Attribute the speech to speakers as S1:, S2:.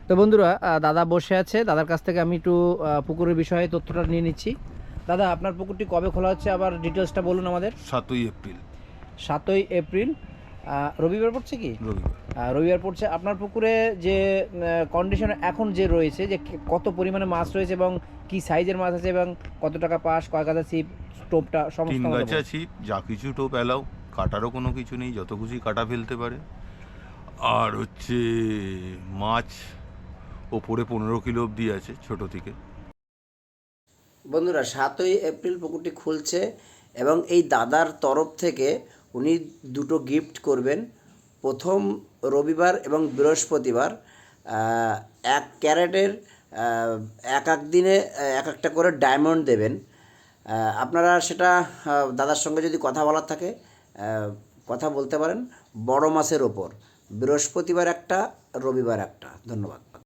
S1: তো বন্ধুরা, দাদা বসে আছে, দাদার কাছ থেকে আমি একটু পুকুরের বিষয়ে তথ্যটা নিয়ে নিচ্ছি। দাদা, আপনার পুকুরটি কবে খোলা হচ্ছে, আবার ডিটেলসটা বলুন আমাদের।
S2: 7ই এপ্রিল।
S1: 7ই এপ্রিল। রবিবার পড়ছে কি?
S2: রবিবার।
S1: রবিবার পড়ছে। আপনার পুকুরে যে কন্ডিশন এখন যে রয়েছে, যে কত পরিমাণে মাছ রয়েছে এবং কি সাইজের মাছ আছে এবং কত টাকা পাস, কয় গাদা ছিপ, টোপটা সমস্ত
S2: 3
S1: আমাদের
S2: গাছা
S1: বলুন।
S2: ছিপ, যা কিছু টোপ অ্যালাউ, কাটারও কোনো কিছু নেই, যত খুশি কাটা ফেলতে পারে। আর হচ্ছে মাছ ওপরে 15 কিলো অবধি আছে ছোট থেকে।
S3: বন্ধুরা, 7ই এপ্রিল পুকুরটি খুলছে এবং এই দাদার তরফ থেকে উনি দুটো গিফট করবেন। প্রথম রবিবার এবং বৃহস্পতিবার 1 ক্যারেটের এক এক দিনে এক একটা করে ডায়মন্ড দেবেন। আপনারা সেটা দাদার সঙ্গে যদি কথা বলার থাকে কথা বলতে পারেন। বড় মাছের ওপর বৃহস্পতিবার একটা, রবিবার একটা। ধন্যবাদ।